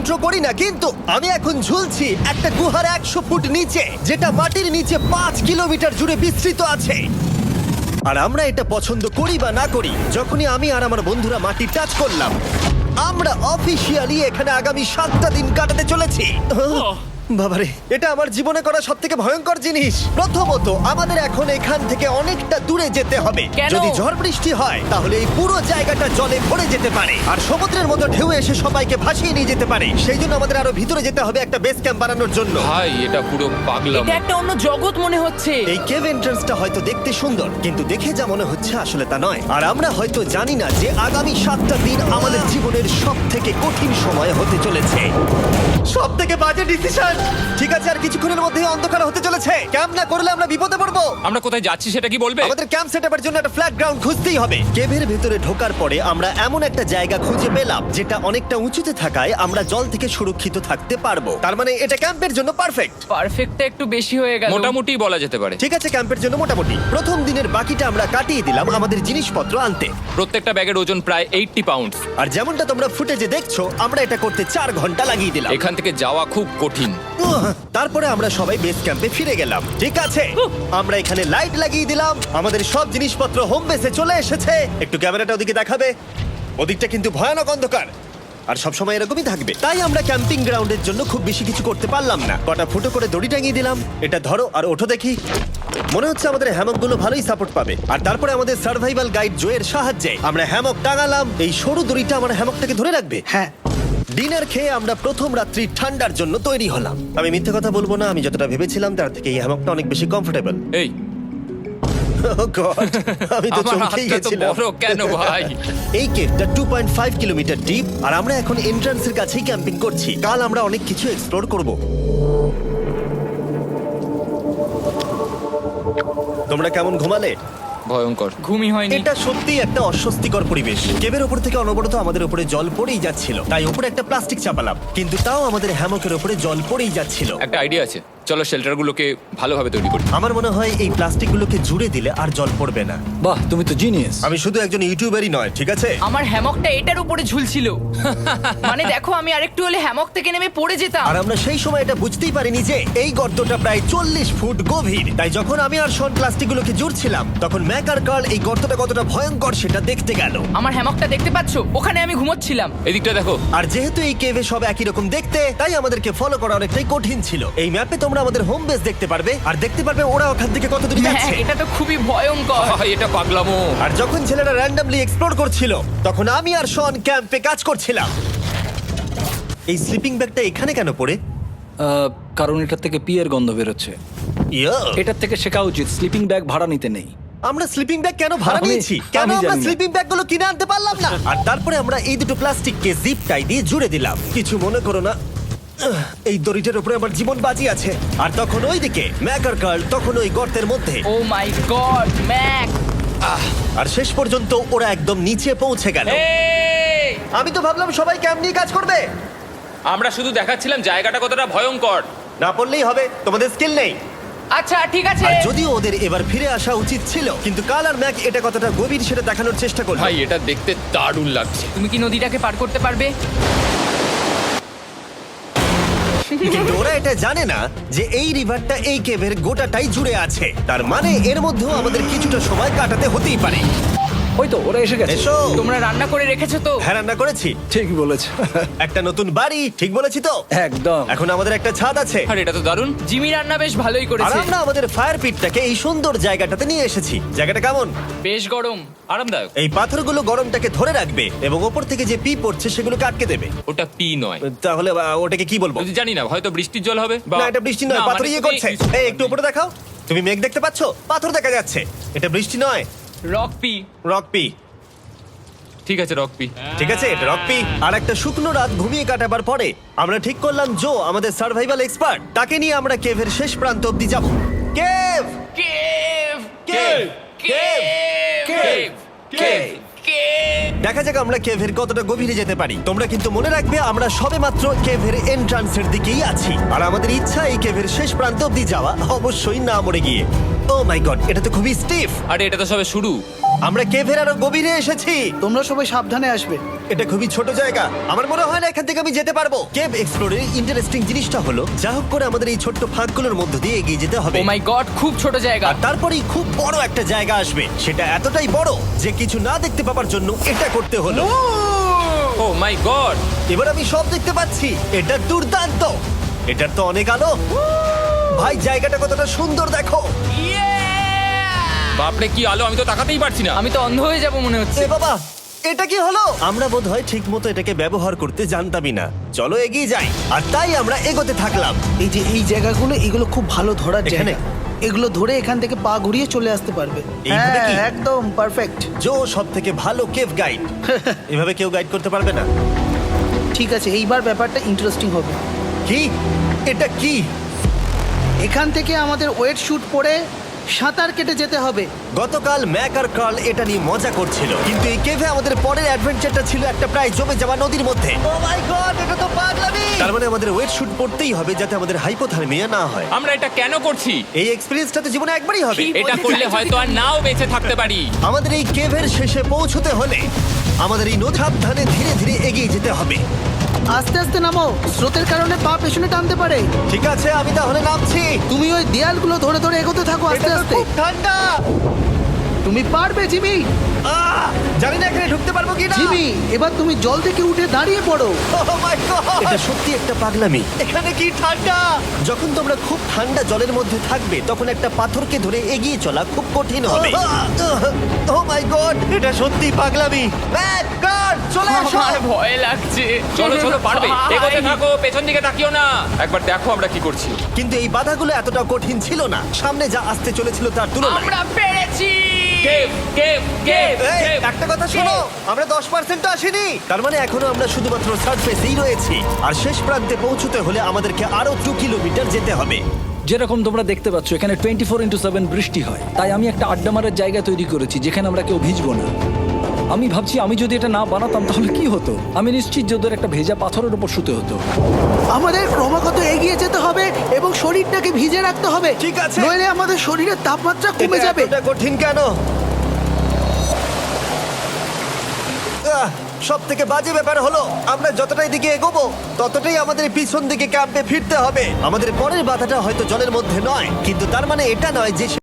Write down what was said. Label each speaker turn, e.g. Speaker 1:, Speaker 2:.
Speaker 1: Intro করি না, কিন্তু আমি এখন ঝুলছি একটা গুহার 100 ফুট নিচে, যেটা মাটির নিচে 5 কিলোমিটার জুড়ে বিস্তৃত আছে। আর আমরা এটা পছন্দ করি বা না করি, যখনই আমি আর আমার বন্ধুরা মাটি টাচ করলাম, আমরা অফিসিয়ালি এখানে আগামী 7টা দিন কাটাতে চলেছি। বাবারে, এটা আমার জীবনে করা সবথেকে ভয়ঙ্কর জিনিস। প্রথমত, আমাদের এখন এখান থেকে অনেকটা দূরে যেতে হবে।
Speaker 2: কেন?
Speaker 1: যদি ঝড় বৃষ্টি হয় তাহলে এই পুরো জায়গাটা জলে ভরে যেতে পারে, আর সমুদ্রের মতো ঢেউ এসে সবাইকে ভাসিয়ে নিয়ে যেতে পারে। সেই জন্য আমাদের আরো ভিতরে যেতে হবে একটা বেস ক্যাম্প বানানোর জন্য।
Speaker 3: ভাই এটা পুরো পাগলাম।
Speaker 2: এটা একটা অন্য জগৎ মনে হচ্ছে।
Speaker 1: এই কেভ এন্ট্রান্সটা হয়তো দেখতে সুন্দর, কিন্তু দেখে যা মনে হচ্ছে আসলে তা নয়। আর আমরা হয়তো জানি না যে আগামী 7টা দিন আমাদের জীবনের সব থেকে কঠিন সময় হতে চলেছে। সব থেকে বাজে ডিসিশন। ঠিক আছে, আর কিছুক্ষণের মধ্যেই অন্ধকার হতে চলেছে। ক্যাম্প না করলে আমরা বিপদে পড়বো।
Speaker 3: আমরা কোথায় যাচ্ছি সেটা কি বলবে?
Speaker 1: আমাদের ক্যাম্প সেটআপের জন্য একটা ফ্ল্যাট গ্রাউন্ড খুঁজতেই হবে। কেভের ভেতরে ঢোকার পরে আমরা এমন একটা জায়গা খুঁজে পেলাম যেটা অনেকটা উঁচুতে থাকায় আমরা জল থেকে সুরক্ষিত থাকতে পারবো। তার মানে এটা ক্যাম্পের জন্য পারফেক্ট।
Speaker 2: পারফেক্টটা একটু বেশি হয়ে গেল।
Speaker 3: মোটামুটি বলা যেতে পারে।
Speaker 1: ঠিক আছে, ক্যাম্পের জন্য মোটামুটি। প্রথম দিনের বাকিটা আমরা কাটিয়ে দিলাম আমাদের জিনিসপত্র আনতে।
Speaker 3: প্রত্যেকটা ব্যাগের ওজন প্রায় 80 পাউন্ডস।
Speaker 1: আর যেমনটা তোমরা ফুটেজে দেখছো, আমরা এটা করতে 4 ঘন্টা লাগিয়ে দিলাম।
Speaker 3: এখান থেকে যাওয়া খুব কঠিন।
Speaker 1: তারপরে আমরা সবাই বেস ক্যাম্পে ফিরে গেলাম। ঠিক আছে, আমরা এখানে লাইট লাগিয়ে দিলাম। আমাদের সব জিনিসপত্র হোম বেসে চলে এসেছে। একটু ক্যামেরাটা ওদিকে দেখাবে। ওদিকটা কিন্তু ভয়ানক অন্ধকার, আর সবসময় এরকমই থাকবে। তাই আমরা ক্যাম্পিং গ্রাউন্ডের জন্য খুব বেশি কিছু করতে পারলাম না। কটা ফুটো করে দড়ি টাঙিয়ে দিলাম। এটা ধরো আর ওঠো দেখি। মনে হচ্ছে আমাদের হ্যামকগুলো ভালোই সাপোর্ট পাবে। আর তারপরে আমাদের সার্ভাইভাল গাইড জোয়ের সাহায্যে আমরা হ্যামক টাঙালাম। এই সরু দড়িটা আমার হ্যামকটাকে ধরে রাখবে। হ্যাঁ। ডিনার খেয়ে আমরা প্রথম রাত্রি ঠান্ডার জন্য তৈরি হলাম। আমি মিথ্যে কথা বলবো না, আমি যতটা ভেবেছিলাম তার থেকে এই হ্যামকটা অনেক বেশি কমফোর্টেবল।
Speaker 3: এই
Speaker 1: আমি তো
Speaker 3: আমার
Speaker 1: চমকেই
Speaker 3: হাতটা তো
Speaker 1: গেছিলাম।
Speaker 3: বড় কেন ভাই?
Speaker 1: এই কেভটা 2.5 কিলোমিটার ডিপ, আর আমরা এখন এন্ট্রান্সের কাছেই ক্যাম্পিং করছি। কাল আমরা অনেক কিছু এক্সপ্লোর করব। তোমরা কেমন ঘুমালে?
Speaker 3: ভয়ঙ্কর।
Speaker 2: ঘুমই হয়নি।
Speaker 1: এটা সত্যিই একটা অস্বস্তিকর পরিবেশ। কেভের উপর থেকে অনবরত আমাদের উপরে জল পড়েই যাচ্ছিল, তাই উপরে একটা প্লাস্টিক চাপালাম, কিন্তু তাও আমাদের হ্যামকের উপরে জল পড়েই যাচ্ছিল।
Speaker 3: একটা আইডিয়া আছে, চলো শেল্টারগুলোকে ভালোভাবে তৈরি করি।
Speaker 1: আমার মনে হয় এই প্লাস্টিকগুলোকে জুড়ে দিলে আর জল পড়বে না।
Speaker 4: বাহ, তুমি তো জিনিয়াস।
Speaker 1: আমি শুধু একজন ইউটিউবারই নয়, ঠিক আছে?
Speaker 2: আমার হ্যামকটা এটার উপরে ঝুলছিল। মানে দেখো, আমি আরেকটু হলে হ্যামক থেকে নেমে পড়ে যেতাম।
Speaker 1: আর আমরা সেই সময় এটা বুঝতেই পারিনি যে এই গর্তটা প্রায় 40 ফুট গভীর। তাই যখন আমি আর শন প্লাস্টিকগুলোকে জুড়ছিলাম, তখন ম্যাক আর কার্ল এই গর্তটা কতটা ভয়ঙ্কর সেটা দেখতে গেল।
Speaker 2: আমার হ্যামকটা দেখতে পাচ্ছো? ওখানে আমি ঘুমোচ্ছিলাম।
Speaker 3: এদিকটা দেখো।
Speaker 1: আর যেহেতু এই কেভে সব একই রকম দেখতে, তাই আমাদেরকে ফলো করা অনেকটাই কঠিন ছিল। এই ম্যাপে তোমরা আমাদের হোম বেস দেখতে পারবে, আর দেখতে পারবে ওরা ওখান থেকে কত দূর
Speaker 2: হ্যাঁ,
Speaker 1: যাচ্ছে।
Speaker 2: এটা তো খুবই ভয়ঙ্কর।
Speaker 3: ভাই এটা পাগলামো।
Speaker 1: আর যখন ছেলেরা র্যান্ডমলি এক্সপ্লোর করছিল, তখন আমি আর শন ক্যাম্পে কাজ করছিলাম। এই স্লিপিং ব্যাগটা এখানে কেন পড়ে?
Speaker 4: কারণ এটার থেকে পিয়ের গন্ধ বেরোচ্ছে।
Speaker 1: ইয়া,
Speaker 4: এটার থেকে শেখা উচিত স্লিপিং ব্যাগ ভাড়া নিতে নেই।
Speaker 1: আমরা স্লিপিং ব্যাগ কেন ভাড়া
Speaker 4: আমি-
Speaker 1: নিয়েছি? কেন
Speaker 4: আমি
Speaker 1: আমরা
Speaker 4: জানি না।
Speaker 1: স্লিপিং ব্যাগগুলো কিনে আনতে পারলাম না? আর তারপরে আমরা এই দুটো প্লাস্টিককে জিপ টাই দিয়ে জুড়ে দিলাম। কিছু মনে করো না, এই দড়িটার উপরে আমার জীবন বাজি আছে। আর তখন ওইদিকে ম্যাকার কার্ল তখন ওই গর্তের মধ্যে।
Speaker 2: ও মাই গড, ম্যাক!
Speaker 1: আর শেষ পর্যন্ত ওরা একদম নিচে পৌঁছে গেল।
Speaker 3: এই,
Speaker 1: আমি তো ভাবলাম সবাই ক্যাম্প নিয়ে কাজ করবে।
Speaker 3: আমরা শুধু দেখাচ্ছিলাম জায়গাটা কতটা ভয়ঙ্কর।
Speaker 1: না পড়লেই হবে, তোমাদের স্কিল নেই।
Speaker 2: আচ্ছা ঠিক আছে।
Speaker 1: আর যদিও ওদের এবার ফিরে আসা উচিত ছিল, কিন্তু কাল আর ম্যাক এটা কতটা গভীর সেটা দেখানোর চেষ্টা করলো।
Speaker 3: ভাই এটা দেখতে দারুণ লাগছে।
Speaker 2: তুমি কি নদীটাকে পার করতে পারবে?
Speaker 1: কিন্তু ওরা এটা জানে না যে এই রিভারটা এই কেভের গোটাটাই জুড়ে আছে। তার মানে এর মধ্যেও আমাদের কিছুটা সময় কাটাতে হতেই পারে।
Speaker 4: ওই তো ওরা এসে গেছে।
Speaker 1: এসো।
Speaker 2: তোমরা রান্না করে রেখেছো তো?
Speaker 1: হ্যাঁ, রান্না করেছি।
Speaker 4: ঠিক বলেছ।
Speaker 1: একটা নতুন বাড়ি, ঠিক বলেছি তো?
Speaker 4: একদম।
Speaker 1: এখন আমাদের একটা ছাদ আছে।
Speaker 3: আর এটা তো দারুণ।
Speaker 2: জিমি রান্না বেশ ভালোই
Speaker 1: আর
Speaker 2: করেছে।
Speaker 1: আমরা আমাদের ফায়ার পিটটাকে এই সুন্দর জায়গাটাতে নিয়ে এসেছি। জায়গাটা কেমন?
Speaker 2: বেশ গরম।
Speaker 3: আরামদায়ক।
Speaker 1: এই পাথরগুলো গরমটাকে ধরে রাখবে এবং ওপর থেকে যে পি পড়ছে সেগুলোকে আটকে দেবে।
Speaker 3: ওটা পি নয়।
Speaker 1: তাহলে ওটাকে কি বলবো?
Speaker 3: যদি জানি না, হয়তো বৃষ্টির জল হবে বা
Speaker 1: না, এটা বৃষ্টি নয়,
Speaker 3: না,
Speaker 1: পাথর
Speaker 3: মানে
Speaker 1: ইয়ে
Speaker 3: তুমি-
Speaker 1: করছে। এই একটু উপরে দেখাও। তুমি মেঘ দেখতে পাচ্ছো? পাথর দেখা যাচ্ছে। এটা বৃষ্টি নয়,
Speaker 2: রক পি।
Speaker 1: Rock P.
Speaker 3: ঠিক আছে, রক পি।
Speaker 1: ঠিক আছে, এটা রক পি। আর একটা শুকনো রাত ঘুমিয়ে কাটাবার পরে আমরা ঠিক করলাম জো আমাদের সার্ভাইভাল এক্সপার্ট, তাকে নিয়ে আমরা কেভের শেষ প্রান্ত অব্দি যাব। Cave,
Speaker 2: cave!
Speaker 1: Cave, cave,
Speaker 2: cave!
Speaker 1: Cave. দেখা যাক আমরা কেভের কতটা গভীরে যেতে পারি। তোমরা কিন্তু মনে রাখবে আমরা সবেমাত্র কেভের এন্ট্রান্সের দিকেই আছি, আর আমাদের ইচ্ছা এই কেভের শেষ প্রান্ত অব্দি যাওয়া, অবশ্যই না মরে গিয়ে। ও মাই গড, এটা তো খুবই স্টিফ।
Speaker 3: আরে এটা তো সবে শুরু।
Speaker 1: আমরা কেভের আরো গভীরে এসেছি।
Speaker 5: তোমরা সবাই সাবধানে আসবে।
Speaker 1: এটা খুবই ছোট জায়গা, আমার মনে হয় না এখান থেকে আমি যেতে পারবো। কেভ এক্সপ্লোরের ইন্টারেস্টিং জিনিসটা হলো যা হোক করে আমাদের এই ছোট্ট ফাঁকগুলোর মধ্য দিয়ে এগিয়ে যেতে হবে।
Speaker 2: ও মাই গড, খুব ছোট জায়গা।
Speaker 1: আর তারপরেই খুব বড় একটা জায়গা আসবে, সেটা এতটাই বড় যে কিছু না দেখতে পাওয়ার জন্য এটা করতে হলো।
Speaker 3: Oh my god!
Speaker 1: এবার আমি সব দেখতে পাচ্ছি, এটা দুর্দান্ত। এটার তো অনেক আলো। ভাই জায়গাটা কতটা সুন্দর দেখো।
Speaker 3: বাপরে কি আলো, আমি তো তাকাতেই পারছি না।
Speaker 2: আমি তো অন্ধ হয়ে যাব মনে হচ্ছে।
Speaker 1: এ বাবা, এটা কি হলো? আমরা বোধহয় ঠিক মতো এটাকে ব্যবহার করতে জানতামই না। চলো এগিয়ে যাই। আর তাই আমরা এগোতে থাকলাম।
Speaker 5: এই যে এই জায়গাগুলো, এগুলো খুব ভালো ধরার
Speaker 1: এখানে?
Speaker 5: জায়গা। এগুলো ধরে এখান থেকে পা ঘুরিয়ে চলে আসতে পারবে।
Speaker 1: এইভাবে
Speaker 5: হ্যাঁ,
Speaker 1: কি?
Speaker 5: একদম পারফেক্ট।
Speaker 1: জো সব থেকে ভালো কেভ গাইড। এভাবে কেউ গাইড করতে পারবে না।
Speaker 5: ঠিক আছে, এইবার ব্যাপারটা ইন্টারেস্টিং হবে।
Speaker 1: কি? এটা কি?
Speaker 5: এখান থেকে আমাদের ওয়েট শুট পরে সাঁতার কেটে যেতে হবে।
Speaker 1: গতকাল ম্যাক আর কার্ল এটা নিয়ে মজা করছিল, কিন্তু এই কেভে আমাদের পরের অ্যাডভেঞ্চারটা ছিল একটা প্রায় জমে যাওয়া নদীর মধ্যে। ও মাই গড, এটা তো পাগলামি! তার মানে আমাদের ওয়েট শুট পড়তেই হবে যাতে আমাদের হাইপোথার্মিয়া না হয়।
Speaker 3: আমরা এটা কেন করছি?
Speaker 1: এই এক্সপেরিয়েন্সটা তো জীবনে একবারই হবে।
Speaker 3: এটা করলে হয়তো আর নাও বেঁচে থাকতে পারি।
Speaker 1: আমাদের এই কেভের শেষে পৌঁছতে হলে আমাদের এই নদী সাবধানে ধীরে ধীরে এগিয়ে যেতে হবে।
Speaker 5: আস্তে আস্তে নামো, স্রোতের কারণে পা পেছনে টানতে পারে।
Speaker 1: ঠিক আছে, আমি তাহলে নামছি।
Speaker 5: তুমি ওই দেয়ালগুলো ধরে ধরে এগোতে থাকো আস্তে
Speaker 1: এটা তো
Speaker 5: আস্তে।
Speaker 1: খুব ঠান্ডা।
Speaker 5: তুমি পারবে জিমি।
Speaker 1: জানি না এখানে ঢুকতে পারবো কিনা।
Speaker 5: জিমি, এবার তুমি জল থেকে উঠে দাঁড়িয়ে পড়ো।
Speaker 1: Oh my God! এটা সত্যি একটা পাগলামি। এখানে কি ঠান্ডা! যখন তোমরা খুব ঠান্ডা জলের মধ্যে থাকবে তখন একটা পাথরকে ধরে এগিয়ে চলা খুব কঠিন হবে। ও মাই গড, এটা সত্যি পাগলামি। ম্যাক, গড, চলে এসো।
Speaker 2: আমার ভয় লাগছে।
Speaker 3: চলো চলো, পারবে।
Speaker 2: ভাই।
Speaker 3: এগোতে থাকো, পেছন দিকে তাকিও না। একবার দেখো আমরা কি করছি।
Speaker 1: কিন্তু এই বাধাগুলো এতটা কঠিন ছিল না সামনে যা আসতে চলেছিল তার তুলনায়।
Speaker 2: আমরা পেরেছি।
Speaker 3: কেভ কেভ কেভ
Speaker 1: এই,
Speaker 3: কেভ।
Speaker 1: একটা কথা শোনো, আমরা 10% আসিনি। তার মানে এখনো আমরা শুধুমাত্র সার্ফেসেই রয়েছি, আর শেষ প্রান্তে পৌঁছতে হলে আমাদেরকে আরো 2 কিলোমিটার যেতে হবে।
Speaker 4: যেরকম তোমরা দেখতে পাচ্ছ এখানে 24/7 বৃষ্টি হয়, তাই আমি একটা আড্ডা মারার জায়গা তৈরি করেছি যেখানে আমরা কেউ ভিজবো না। আমি ভাবছি আমি যদি এটা না বানাতাম তাহলে কি হতো। আমি নিশ্চিত যে ওদের একটা ভেজা পাথরের উপর শুতে হতো।
Speaker 5: আমাদের ক্রমাগত এগিয়ে যেতে হবে এবং শরীরটাকে ভিজে রাখতে হবে।
Speaker 1: ঠিক আছে।
Speaker 5: নইলে আমাদের শরীরের তাপমাত্রা কমে
Speaker 1: এটা
Speaker 5: যাবে।
Speaker 1: এতটা কঠিন কেন? সব থেকে বাজে ব্যাপার হলো আমরা যতটাই দিকে এগোবো ততটাই আমাদের পিছন দিকে ক্যাম্পে ফিরতে হবে। আমাদের পরের বাধাটা হয়তো জলের মধ্যে নয়, কিন্তু তার মানে এটা নয় যে